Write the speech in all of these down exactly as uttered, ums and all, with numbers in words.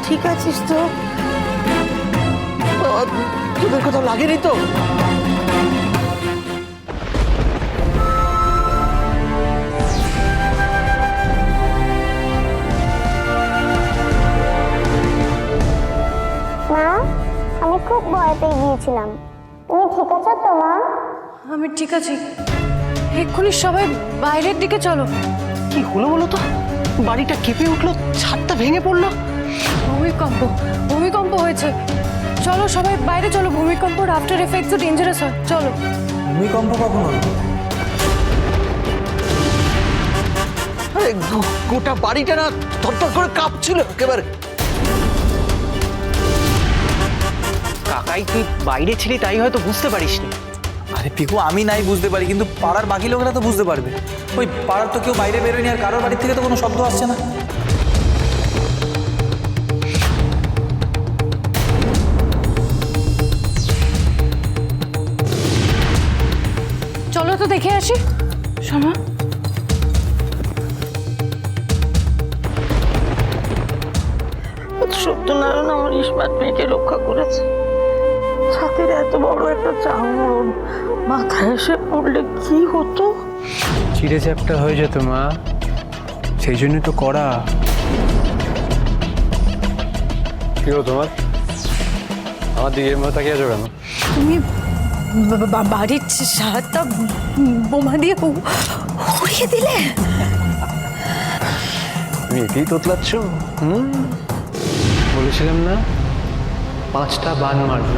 ঠিক আছিস তো? তোদের কোথাও লাগেনি তো? মা, আমি খুব ভয় পেয়ে গিয়েছিলাম। তুমি ঠিক আছো তো মা? আমি ঠিক আছি। এক্ষুনি সবাই বাইরের দিকে চলো। কি হলো বলো তো? বাড়িটা কেঁপে উঠলো, ছাদটা ভেঙে পড়লো। ভূমিকম্প ভূমিকম্প হয়েছে। চলো সবাই বাইরে চলো, ভূমিকম্পর আফটার এফেক্টস ডেঞ্জারাস হয়। চলো। ভূমিকম্প কখন হলো? আরে গোটা বাড়িটা না থরথর করে কাঁপছিল একেবারে। কাকাই তুই বাইরে ছিলি, তাই হয়তো বুঝতে পারিসনি। আরে পিকু, আমি নাই বুঝতে পারি, কিন্তু পাড়ার বাকি লোকেরা তো বুঝতে পারবে। ওই পাড়ার তো কেউ বাইরে বেরোয়নি, আর কারোর বাড়ির থেকে তো কোনো শব্দ আসছে না। চলো তো দেখে আসি। শোনো, সত্যনারায়ণ আমার ইস্পাত মেয়েকে রক্ষা করেছে। ছাতির এত বড় একটা চাঙড় মাথায় এসে পড়লে কি হতো? চিড়ে চ্যাপ্টা হয়ে যেত মা, সেই জন্য তো করা। কি হলো তোমার? আমার দিকে এমন তাকিয়ে আছো কেন? তুমি বা- বা- বাড়ির সারাটা বোমা দিয়ে উ- উড়িয়ে দিলে। তুমি এতেই তোতলাচ্ছ? হুম, বলেছিলাম না পাঁচটা বান মারব।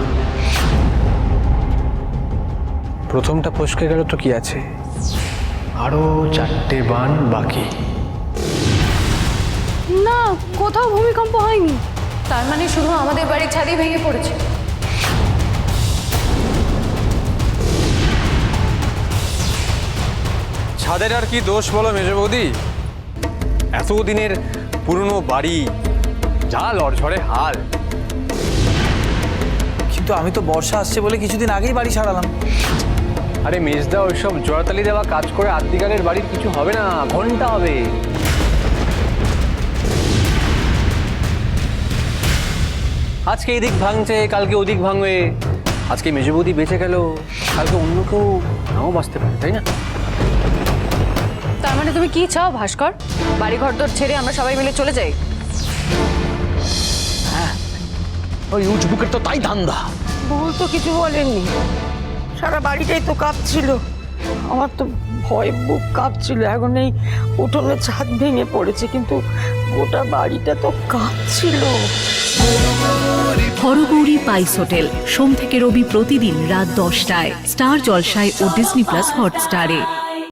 প্রথমটা ফসকে গেল তো কি আছে, আরো চারটে বান বাকি। না, কোথাও ভূমিকম্প হয়নি। তার মানে শুধু আমাদের বাড়ির ছাদই ভেঙে পড়েছে। ছাদের আর কি দোষ বলো মেজ বৌদি? এতদিনের পুরনো বাড়ি, যা লড়ঝড়ে হাল। কিন্তু আমি তো বর্ষা আসছে বলে কিছুদিন আগেই বাড়ি ছাড়ালাম। আরে মেজদা, ওইসব জোড়াতালি দেওয়া কাজ করে আদ্যিকালের বাড়ির কিছু হবে না, ঘন্টা হবে। আজকে এদিক ভাঙছে, কালকে ওদিক ভাঙবে। আজকে মেজ বৌদি বেঁচে গেল, কালকে অন্য কেউ নাও বাঁচতে পারে, তাই না? তার মানে তুমি কি চাও ভাস্কর? বাড়ি ঘর তোর ছেড়ে আমরা সবাই মিলে চলে যাই? ওই উজবুকের তো তাই ধান্দা। বউ তো কিছু বলেননি, সারা বাড়িটাই তো কাঁপছিল। আমার তো ভয় বুক কাঁপছিল। এখন এই উঠোনে ছাদ ভেঙে পড়েছে, কিন্তু গোটা বাড়িটা তো কাঁপছিল। হরগৌরী পাইস হোটেল, সোম থেকে রবি প্রতিদিন রাত দশটায় স্টার জলসায় ও ডিজনি প্লাস হটস্টারে।